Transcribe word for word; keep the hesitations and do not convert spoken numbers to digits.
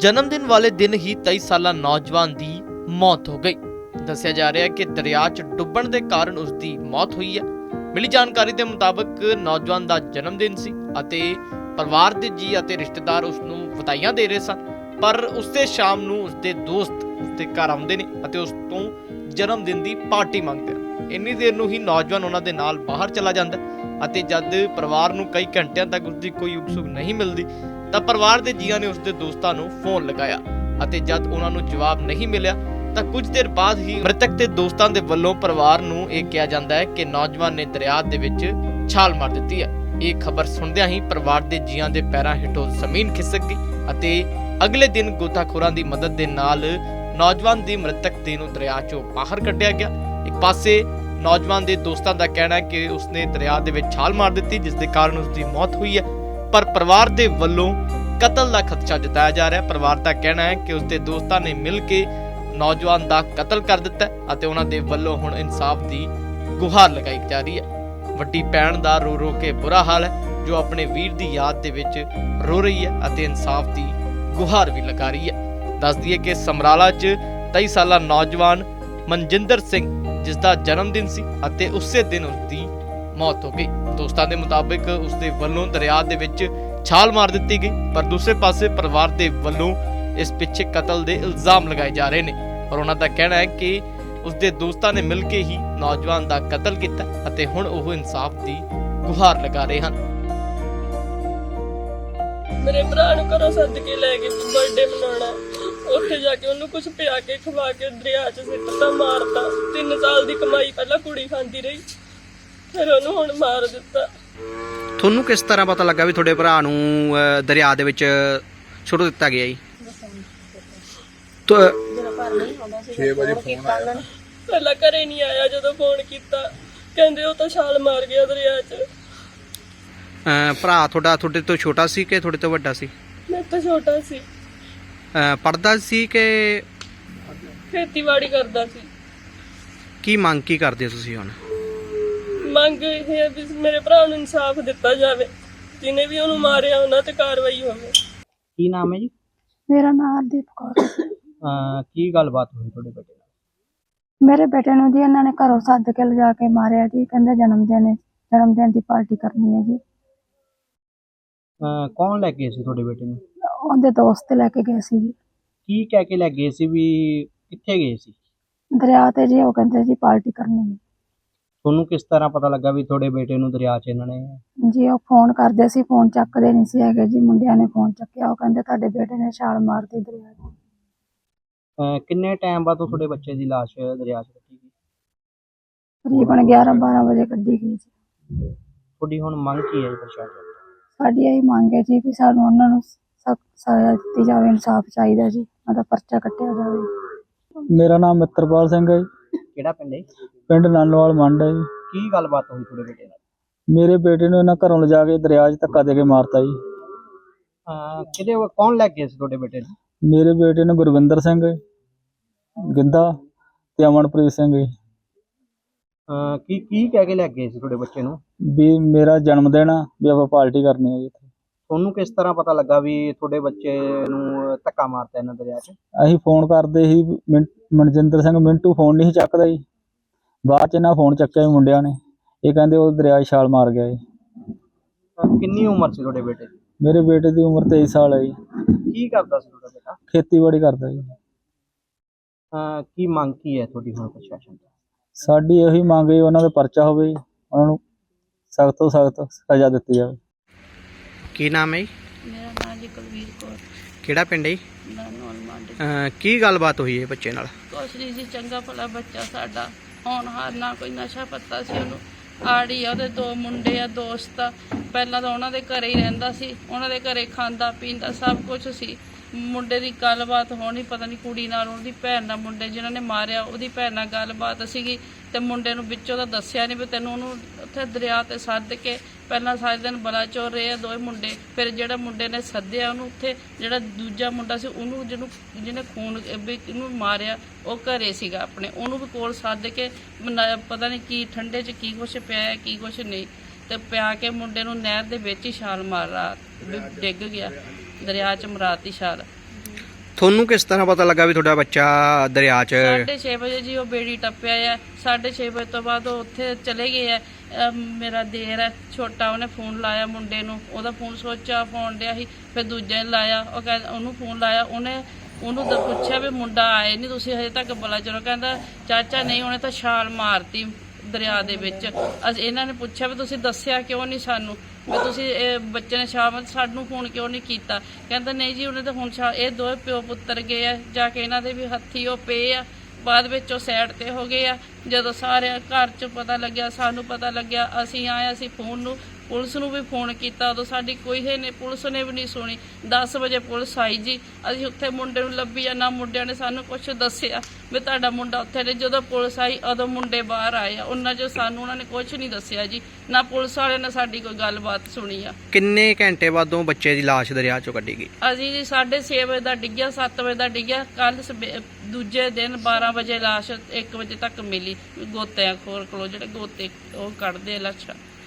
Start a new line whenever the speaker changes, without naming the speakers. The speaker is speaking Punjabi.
जन्मदिन वाले दिन ही तेईस साला नौजवान की मौत हो गई। दस्सिया जा रहा है कि दरिया च डुੱਬਣ ਦੇ ਕਾਰਨ उसकी मौत हुई है। मिली जानकारी के मुताबिक नौजवान का जन्मदिन सी ਅਤੇ परिवार के जी ਅਤੇ रिश्तेदार उसनू ਵਧਾਈਆਂ ਦੇ ਰਹੇ ਸਨ, पर उसते शाम ਨੂੰ ਉਸਦੇ ਦੋਸਤ ਉਸਦੇ ਘਰ ਆਉਂਦੇ ਨੇ ਅਤੇ ਉਸ ਤੋਂ ਜਨਮਦਿਨ ਦੀ ਪਾਰਟੀ ਮੰਗਦੇ ਹਨ। ਇੰਨੀ ਦੇਰ ਨੂੰ ਹੀ ਨੌਜਵਾਨ ਉਹਨਾਂ ਦੇ ਨਾਲ ਬਾਹਰ ਚਲਾ ਜਾਂਦਾ ਅਤੇ ਜਦ ਪਰਿਵਾਰ ਨੂੰ ਕਈ ਘੰਟਿਆਂ ਤੱਕ ਉਸਦੀ ਕੋਈ ਉਕਸੁਕ ਨਹੀਂ ਮਿਲਦੀ ਤਾਂ ਪਰਿਵਾਰ ਦੇ ਜੀਆਂ ਨੇ ਉਸਦੇ ਦੋਸਤਾਂ ਨੂੰ ਫੋਨ ਲਗਾਇਆ ਅਤੇ ਜਦ ਉਹਨਾਂ ਨੂੰ ਜਵਾਬ ਨਹੀਂ ਮਿਲਿਆ ਤਾਂ ਕੁਝ ਦੇਰ ਬਾਅਦ ਹੀ ਮ੍ਰਿਤਕ ਦੇ ਦੋਸਤਾਂ ਦੇ ਵੱਲੋਂ ਪਰਿਵਾਰ ਨੂੰ ਇਹ ਕਿਹਾ ਜਾਂਦਾ ਹੈ ਕਿ ਨੌਜਵਾਨ ਨੇ ਦਰਿਆ ਦੇ ਵਿੱਚ ਛਾਲ ਮਾਰ ਦਿੱਤੀ ਹੈ। ਇਹ ਖਬਰ ਸੁਣਦਿਆਂ ਹੀ ਪਰਿਵਾਰ ਦੇ ਜੀਆਂ ਦੇ ਪੈਰਾਂ ਹੇਠੋਂ ਜ਼ਮੀਨ ਖਿਸਕ ਗਈ ਅਤੇ ਅਗਲੇ ਦਿਨ ਗੋਤਾਖੋਰਾਂ ਦੀ ਮਦਦ ਦੇ ਨਾਲ ਨੌਜਵਾਨ ਦੀ ਮ੍ਰਿਤਕ ਦੇਹ ਨੂੰ ਦਰਿਆ ਚੋਂ ਬਾਹਰ ਕੱਢਿਆ ਗਿਆ। ਇੱਕ ਪਾਸੇ ਨੌਜਵਾਨ ਦੇ ਦੋਸਤਾਂ ਦਾ ਕਹਿਣਾ ਹੈ ਕਿ ਉਸਨੇ ਦਰਿਆ ਦੇ ਵਿੱਚ ਛਾਲ ਮਾਰ ਦਿੱਤੀ ਜਿਸ ਦੇ ਕਾਰਨ ਉਸਦੀ ਮੌਤ ਹੋਈ ਹੈ, ਪਰ ਪਰਿਵਾਰ ਦੇ ਵੱਲੋਂ ਕਤਲ ਦਾ ਖਦਸ਼ਾ ਜਤਾਇਆ ਜਾ ਰਿਹਾ ਹੈ। ਪਰਿਵਾਰ ਦਾ ਕਹਿਣਾ ਹੈ ਕਿ ਉਸਦੇ ਦੋਸਤਾਂ ਨੇ ਮਿਲ ਕੇ ਨੌਜਵਾਨ ਦਾ ਕਤਲ ਕਰ ਦਿੱਤਾ ਅਤੇ ਉਹਨਾਂ ਦੇ ਵੱਲੋਂ ਹੁਣ ਇਨਸਾਫ ਦੀ ਗੁਹਾਰ ਲਗਾਈ ਜਾ ਰਹੀ ਹੈ। ਵੱਡੀ ਭੈਣ ਦਾ ਰੋ ਰੋ ਕੇ ਬੁਰਾ ਹਾਲ ਹੈ ਜੋ ਆਪਣੇ ਵੀਰ ਦੀ ਯਾਦ ਦੇ ਵਿੱਚ ਰੋ ਰਹੀ ਹੈ ਅਤੇ ਇਨਸਾਫ ਦੀ ਗੁਹਾਰ ਵੀ ਲਗਾ ਰਹੀ ਹੈ। ਦੱਸ ਦਈਏ ਕਿ ਸਮਰਾਲਾ 'ਚ ਤੇਈ ਸਾਲਾ ਨੌਜਵਾਨ ਮਨਜਿੰਦਰ ਸਿੰਘ ਜਿਸ ਦਾ ਜਨਮ ਦਿਨ ਸੀ ਅਤੇ ਉਸੇ ਦਿਨ ਉਸਦੀ ਮੌਤ ਹੋ ਗਈ। ਦੋਸਤਾਂ ਦੇ ਮੁਤਾਬਿਕ ਉਸਦੇ ਵੱਲੋਂ ਦਰਿਆ ਦੇ ਵਿੱਚ ਛਾਲ ਮਾਰ ਦਿੱਤੀ ਗਈ, ਪਰ ਦੂਸਰੇ ਪਾਸੇ ਪਰਿਵਾਰ ਦੇ ਵੱਲੋਂ ਇਸ ਪਿੱਛੇ ਕਤਲ ਦੇ ਇਲਜ਼ਾਮ ਲਗਾਏ ਜਾ ਰਹੇ ਨੇ। ਪਰ ਉਹਨਾਂ ਦਾ ਕਹਿਣਾ ਹੈ ਕਿ ਉਸਦੇ ਦੋਸਤਾਂ ਨੇ ਮਿਲ ਕੇ ਹੀ ਨੌਜਵਾਨ ਦਾ ਕਤਲ ਕੀਤਾ ਅਤੇ ਹੁਣ ਉਹ ਇਨਸਾਫ ਦੀ ਗੁਹਾਰ ਲਗਾ ਰਹੇ ਹਨ।
ਮੇਰੇ ਭਰਾ ਨੂੰ ਘਰੋਂ ਸੱਦ ਕੇ ਲੈ ਕੇ ਬਰਥਡੇ ਮਨਾਉਣਾ, ਉੱਥੇ ਜਾ ਕੇ ਉਹਨੂੰ ਕੁਝ ਪਿਆ ਕੇ ਖਵਾ ਕੇ ਦਰਿਆ 'ਚ ਸਿੱਟਤਾ, ਮਾਰਤਾ। ਤਿੰਨ ਸਾਲ ਦੀ ਕਮਾਈ ਪਹਿਲਾਂ ਕੁੜੀ ਖਾਂਦੀ ਰਹੀ, ਫਿਰ ਉਹਨੂੰ ਹੁਣ ਮਾਰ ਦਿੱਤਾ।
ਤੁਹਾਨੂੰ ਕਿਸ ਤਰ੍ਹਾਂ ਪਤਾ ਲੱਗਾ ਵੀ ਤੁਹਾਡੇ ਭਰਾ ਨੂੰ ਅਹ, ਦਰਿਆ ਦੇ ਵਿੱਚ ਸੁੱਟ ਦਿੱਤਾ ਗਿਆ ਜੀ?
ਛੇ ਵਜੇ ਫੋਨ ਆਇਆ,
ਪਹਿਲਾਂ ਘਰੇ ਨਹੀਂ ਆਇਆ, ਜਦੋਂ ਫੋਨ ਕੀਤਾ ਕਹਿੰਦੇ ਉਹ ਤਾਂ ਛਾਲ ਮਾਰ ਗਿਆ ਦਰਿਆ 'ਚ।
ਅਹ, ਭਰਾ ਤੁਹਾਡਾ ਤੁਹਾਡੇ ਤੋਂ ਛੋਟਾ ਸੀ ਕਿ ਤੁਹਾਡੇ ਤੋਂ ਵੱਡਾ ਸੀ?
ਮੈਂ ਤਾਂ ਛੋਟਾ ਸੀ,
ਅਹ, ਪੜ੍ਹਦਾ ਸੀ ਕਿ
ਖੇਤੀਬਾੜੀ ਕਰਦਾ ਸੀ।
ਕੀ ਮੰਗ ਕੀ ਕਰਦੇ ਹੋ ਤੁਸੀਂ ਹੁਣ?
ਮੰਗ ਇਹ ਹੈ ਵੀ ਮੇਰੇ ਭਰਾ ਨੂੰ ਇਨਸਾਫ ਦਿੱਤਾ ਜਾਵੇ, ਜਿਹਨੇ ਵੀ ਉਹਨੂੰ ਮਾਰਿਆ ਉਹਨਾਂ ਤੇ ਕਾਰਵਾਈ ਹੋਵੇ।
ਕੀ ਨਾਮ ਹੈ ਜੀ?
ਮੇਰਾ ਨਾਮ ਹਰਦੀਪ ਕੌਰ।
ਕੀ ਗੱਲਬਾਤ ਹੋਈ ਤੁਹਾਡੇ ਬੇਟੇ ਨਾਲ?
ਮੇਰੇ ਬੇਟੇ ਨੂੰ ਜੀ ਇਹਨਾਂ ਨੇ ਘਰੋਂ ਸੱਦ ਕੇ ਲਿਜਾ ਕੇ ਮਾਰਿਆ ਜੀ। ਕਹਿੰਦੇ ਜਨਮ ਦਿਨ ਹੈ, ਜਨਮ ਦਿਨ ਦੀ ਪਾਰਟੀ ਕਰਨੀ ਹੈ ਜੀ।
ਕੌਣ ਲੈ ਗਏ ਸੀ ਤੁਹਾਡੇ ਬੇਟੇ ਨੂੰ?
ਉਹਦੇ ਦੋਸਤ ਲੈ ਕੇ ਗਏ ਸੀ ਜੀ।
ਕੀ ਕਹਿ ਕੇ ਲੈ ਗਏ ਸੀ, ਵੀ ਕਿੱਥੇ ਗਏ ਸੀ?
ਦਰਿਆ ਤੇ ਜੀ, ਉਹ ਕਹਿੰਦੇ ਜੀ ਪਾਰਟੀ ਕਰਨੀ ਹੈ
ਤੁਹਾਨੂੰ ਕਿਸ ਤਰ੍ਹਾਂ ਪਤਾ ਲੱਗਾ ਵੀ ਤੁਹਾਡੇ ਬੇਟੇ ਨੂੰ ਦਰਿਆ 'ਚ ਇਹਨਾਂ ਨੇ?
ਜੀ। ਉਹ ਫੋਨ ਕਰਦੇ ਸੀ, ਫੋਨ ਚੱਕਦੇ ਨਹੀਂ ਸੀ ਹੈਗੇ ਜੀ। ਮੁੰਡਿਆਂ ਨੇ ਫੋਨ ਚੱਕਿਆ, ਉਹ ਕਹਿੰਦੇ ਤੁਹਾਡੇ ਬੇਟੇ ਨੇ ਛਾਲ ਮਾਰਤੀ ਦਰਿਆ 'ਚ।
ਕਿੰਨੇ ਟਾਈਮ ਬਾਅਦ ਤੁਹਾਡੇ ਬੱਚੇ ਦੀ ਲਾਸ਼ ਦਰਿਆ 'ਚ ਕੱਢੀ ਗਈ?
ਤਕਰੀਬਨ ਗਿਆਰਾਂ ਬਾਰਾਂ ਵਜੇ ਕੱਢੀ ਗਈ ਜੀ।
ਤੁਹਾਡੀ ਹੁਣ ਮੰਗ ਕੀ ਹੈ ਜੀ ਪ੍ਰਸ਼ਾਸਨ?
ਸਾਡੀ ਇਹੀ ਮੰਗ ਹੈ ਜੀ ਵੀ ਸਾਨੂੰ ਉਹਨਾਂ ਨੂੰ ਸਖਤ ਸਜ਼ਾ ਦਿੱਤੀ ਜਾਵੇ, ਇਨਸਾਫ ਚਾਹੀਦਾ ਜੀ, ਉਹਦਾ ਪਰਚਾ ਕੱਟਿਆ ਜਾਵੇ।
ਮੇਰਾ ਨਾਮ ਮਿੱਤਰਪਾਲ ਸਿੰਘ ਹੈ ਜੀ।
ਕਿਹੜਾ ਪਿੰਡ ਹੈ?
ਪਿੰਡ ਨਾਨੋਵਾਲ ਮੰਡ ਹੈ ਜੀ।
ਕੀ ਗੱਲਬਾਤ ਹੋਈ ਤੁਹਾਡੇ ਬੇਟੇ ਨਾਲ?
ਮੇਰੇ ਬੇਟੇ ਨੂੰ ਇਹਨਾਂ ਘਰੋਂ ਲਿਜਾ ਕੇ ਦਰਿਆ 'ਚ ਧੱਕਾ ਦੇ ਕੇ ਮਾਰਤਾ ਜੀ।
ਹਾਂ, ਕਿਹਦੇ ਕੌਣ ਲੈ ਗਏ ਸੀ ਤੁਹਾਡੇ ਬੇਟੇ ਨੂੰ?
ਮੇਰੇ ਬੇਟੇ ਨੂੰ ਗੁਰਵਿੰਦਰ ਸਿੰਘ ਗਿੱਧਾ ਤੇ ਅਮਨਪ੍ਰੀਤ ਸਿੰਘ ਜੀ।
ਹਾਂ, ਕੀ ਕੀ ਕਹਿ ਕੇ ਲੈ ਗਏ ਸੀ ਤੁਹਾਡੇ ਬੱਚੇ ਨੂੰ?
ਵੀ ਮੇਰਾ ਜਨਮ ਦਿਨ ਆ, ਵੀ ਆਪਾਂ ਪਾਰਟੀ ਕਰਨੀ ਹੈ ਜੀ ਇੱਥੇ।
ਤੁਹਾਨੂੰ ਕਿਸ ਤਰ੍ਹਾਂ ਪਤਾ ਲੱਗਾ ਵੀ ਤੁਹਾਡੇ ਬੱਚੇ ਨੂੰ ਧੱਕਾ ਮਾਰਤਾ ਇਹਨਾਂ ਦਰਿਆ 'ਚ?
ਅਸੀਂ ਫੋਨ ਕਰਦੇ ਸੀ, ਮਿੰ- ਮਨਜਿੰਦਰ ਸਿੰਘ ਮਿੰਟੂ ਫੋਨ ਨਹੀਂ ਸੀ ਚੱਕਦਾ ਜੀ। ਬਾਅਦ 'ਚ ਇਹਨਾਂ ਫੋਨ ਚੱਕਿਆ ਜੀ ਮੁੰਡਿਆਂ ਨੇ, ਇਹ ਕਹਿੰਦੇ ਉਹ ਦਰਿਆ 'ਚ ਛਾਲ ਮਾਰ ਗਿਆ ਜੀ।
ਅਹ ਕਿੰਨੀ ਉਮਰ ਸੀ ਤੁਹਾਡੇ ਬੇਟੇ ਦੀ?
ਮੇਰੇ ਬੇਟੇ ਦੀ ਉਮਰ ਤੇਈ ਸਾਲ ਹੈ ਜੀ।
ਕੀ ਕਰਦਾ ਸੀ ਤੁਹਾਡਾ ਬੇਟਾ?
ਖੇਤੀਬਾੜੀ ਕਰਦਾ ਜੀ।
ਅਹ ਕੀ ਮੰਗ ਕੀ ਹੈ ਤੁਹਾਡੀ ਹੁਣ ਪ੍ਰਸ਼ਾਸਨ ਤੋਂ?
ਸਾਡੀ ਇਹੀ ਮੰਗ ਹੈ ਉਹਨਾਂ ਦਾ ਪਰਚਾ ਹੋਵੇ ਜੀ, ਉਹਨਾਂ ਨੂੰ ਸਖਤ ਤੋਂ ਸਖਤ ਸਜ਼ਾ ਦਿੱਤੀ ਜਾਵੇ।
ਕੀ ਨਾਮ ਹੈ ਜੀ?
ਮੇਰਾ ਨਾਮ ਜੀ ਕੁਲਵੀਰ ਕੌਰ,
ਕਿਹੜਾ ਪਿੰਡ ਹੈ ਜੀ?
ਨਾਨੋਵਾਲ ਮੰਡ।
ਕੀ ਗੱਲਬਾਤ ਹੋਈ ਹੈ ਬੱਚੇ ਨਾਲ?
ਕੁਛ ਨਹੀਂ ਸੀ, ਚੰਗਾ ਭਲਾ ਬੱਚਾ ਸਾਡਾ, ਹੋਣਹਾਰ, ਨਾ ਕੋਈ ਨਸ਼ਾ ਪੱਤਾ ਸੀ ਉਹਨੂੰ। ਆੜੀ ਆ, ਉਹਦੇ ਦੋ ਮੁੰਡੇ ਆ, ਦੋਸਤ ਆ। ਪਹਿਲਾਂ ਤਾਂ ਉਹਨਾਂ ਦੇ ਘਰੇ ਹੀ ਰਹਿੰਦਾ ਸੀ, ਉਹਨਾਂ ਦੇ ਘਰੇ ਖਾਂਦਾ ਪੀਂਦਾ ਸਭ ਕੁਝ ਸੀ। ਮੁੰਡੇ ਦੀ ਗੱਲਬਾਤ ਹੋਣੀ, ਪਤਾ ਨਹੀਂ ਕੁੜੀ ਨਾਲ, ਉਹਦੀ ਭੈਣ ਨਾਲ, ਮੁੰਡੇ ਜਿਹਨਾਂ ਨੇ ਮਾਰਿਆ ਉਹਦੀ ਭੈਣ ਨਾਲ ਗੱਲਬਾਤ ਸੀਗੀ ਤੇ ਮੁੰਡੇ ਨੂੰ ਵਿੱਚੋਂ ਤਾਂ ਦੱਸਿਆ ਨਹੀਂ ਵੀ ਤੈਨੂੰ ਉਹਨੂੰ ਉੱਥੇ ਦਰਿਆ ਤੇ ਸੱਦ ਕੇ ਪਹਿਲਾਂ ਸਾਰੇ ਦਿਨ ਬਲਾਚੌਰ ਰਹੇ ਆ ਦੋਵੇਂ ਮੁੰਡੇ। ਫਿਰ ਜਿਹੜਾ ਮੁੰਡੇ ਨੇ ਸੱਦਿਆ ਉਹਨੂੰ ਉੱਥੇ, ਜਿਹੜਾ ਦੂਜਾ ਮੁੰਡਾ ਸੀ ਉਹਨੂੰ, ਜਿਹਨੂੰ ਜਿਹਨੇ ਖੂਨ ਵੀ ਇਹਨੂੰ ਮਾਰਿਆ, ਉਹ ਘਰੇ ਸੀਗਾ ਆਪਣੇ, ਉਹਨੂੰ ਵੀ ਕੋਲ ਸੱਦ ਕੇ ਮਨਾ- ਪਤਾ ਨਹੀਂ ਕੀ ਠੰਡੇ 'ਚ ਕੀ ਕੁਛ ਪਿਆ ਕੀ ਕੁਛ ਨਹੀਂ, ਤੇ ਪਿਆ ਕੇ ਮੁੰਡੇ ਨੂੰ ਨਹਿਰ ਦੇ ਵਿੱਚ ਹੀ ਛਾਲ ਮਾਰ ਰਾਤ ਡਿੱਗ ਗਿਆ ਦਰਿਆ 'ਚ, ਮਰਾਤੀ ਛਾਲ।
ਤੁਹਾਨੂੰ ਕਿਸ ਤਰ੍ਹਾਂ ਪਤਾ ਲੱਗਾ ਵੀ ਤੁਹਾਡਾ ਬੱਚਾ ਦਰਿਆ 'ਚ
ਸਾਢੇ ਛੇ ਵਜੇ ਜੀ ਉਹ ਬੇੜੀ ਟੱਪਿਆ ਆ। ਸਾਢੇ ਛੇ ਵਜੇ ਤੋਂ ਬਾਅਦ ਉਹ ਉੱਥੇ ਚਲੇ ਗਏ ਆ। ਅਹ ਮੇਰਾ ਦੇਰ ਹੈ ਛੋਟਾ, ਉਹਨੇ ਫੋਨ ਲਾਇਆ ਮੁੰਡੇ ਨੂੰ, ਉਹਦਾ ਫੋਨ ਸਵਿਚ ਆਫ ਹੋਣ ਡਿਆ ਸੀ। ਫਿਰ ਦੂਜੇ ਨੇ ਲਾਇਆ, ਉਹ ਕਹਿੰਦਾ ਉਹਨੂੰ ਫੋਨ ਲਾਇਆ, ਉਹਨੇ ਉਹਨੂੰ ਤਾਂ ਪੁੱਛਿਆ ਵੀ ਮੁੰਡਾ ਆਏ ਨਹੀਂ ਤੁਸੀਂ ਹਜੇ ਤੱਕ ਬਲਾ ਚਲੋ, ਕਹਿੰਦਾ ਚਾਚਾ ਨਹੀਂ ਉਹਨੇ ਤਾਂ ਛਾਲ ਮਾਰਤੀ ਦਰਿਆ ਦੇ ਵਿੱਚ। ਅਸੀਂ ਇਹਨਾਂ ਨੇ ਪੁੱਛਿਆ ਵੀ ਤੁਸੀਂ ਦੱਸਿਆ ਕਿਉਂ ਨਹੀਂ ਸਾਨੂੰ, ਵੀ ਤੁਸੀਂ ਇਹ ਬੱਚੇ ਨੇ ਛਾਲ ਸਾਨੂੰ ਫੋਨ ਕਿਉਂ ਨਹੀਂ ਕੀਤਾ। ਕਹਿੰਦਾ ਨਹੀਂ ਜੀ ਉਹਨੇ ਤਾਂ ਹੁਣ ਛਾਲ, ਇਹ ਦੋਵੇਂ ਪਿਓ ਪੁੱਤਰ ਗਏ ਆ ਜਾ ਕੇ, ਇਹਨਾਂ ਦੇ ਵੀ ਹੱਥੀ ਉਹ ਪਏ ਆ। ਬਾਅਦ ਵਿੱਚ ਉਹ ਸਾਈਡ ਤੇ ਹੋ ਗਏ ਆ। ਜਦੋਂ ਸਾਰੇ ਘਰ 'ਚ ਪਤਾ ਲੱਗਿਆ, ਸਾਨੂੰ ਪਤਾ ਲੱਗਿਆ, ਅਸੀਂ ਆਏ, ਅਸੀਂ ਫੋਨ ਨੂੰ ਪੁਲਿਸ ਨੂੰ ਵੀ ਫੋਨ ਕੀਤਾ, ਉਦੋਂ ਸਾਡੀ ਕੋਈ ਹੈ ਨਹੀਂ, ਪੁਲਿਸ ਨੇ ਵੀ ਨਹੀਂ ਸੁਣੀ। ਦਸ ਵਜੇ ਪੁਲਿਸ ਆਈ ਜੀ, ਅਸੀਂ ਉੱਥੇ ਮੁੰਡੇ ਨੂੰ ਲੱਭੀ ਆ, ਨਾ ਮੁੰਡਿਆਂ ਨੇ ਸਾਨੂੰ ਕੁਝ ਦੱਸਿਆ ਵੀ ਤੁਹਾਡਾ ਮੁੰਡਾ ਉੱਥੇ ਨੇ। ਜਦੋਂ ਪੁਲਿਸ ਆਈ ਉਦੋਂ ਮੁੰਡੇ ਬਾਹਰ ਆਏ ਆ, ਉਹਨਾਂ 'ਚ ਸਾਨੂੰ ਉਹਨਾਂ ਨੇ ਕੁਝ ਨਹੀਂ ਦੱਸਿਆ ਜੀ, ਨਾ ਪੁਲਿਸ ਵਾਲਿਆਂ ਨੇ ਸਾਡੀ ਕੋਈ ਗੱਲਬਾਤ ਸੁਣੀ ਆ।
ਕਿੰਨੇ ਘੰਟੇ ਬਾਅਦੋਂ ਬੱਚੇ ਦੀ ਲਾਸ਼ ਦਰਿਆ 'ਚੋਂ ਕੱਢੀ ਗਈ?
ਅਸੀਂ ਜੀ ਸਾਢੇ ਛੇ ਵਜੇ ਦਾ ਡਿੱਗਿਆ, ਸੱਤ ਵਜੇ ਦਾ ਡਿੱਗਿਆ, ਕੱਲ ਦੂਜੇ ਦਿਨ ਬਾਰਾਂ ਵਜੇ ਲਾਸ਼ ਇੱਕ ਵਜੇ ਤੱਕ ਮਿਲੀ ਗੋਤਿਆਂ ਖੋਰ ਕੋਲੋਂ, ਜਿਹੜੇ ਗੋਤੇ ਉਹ ਕੱਢਦੇ ਲੱਛਾ।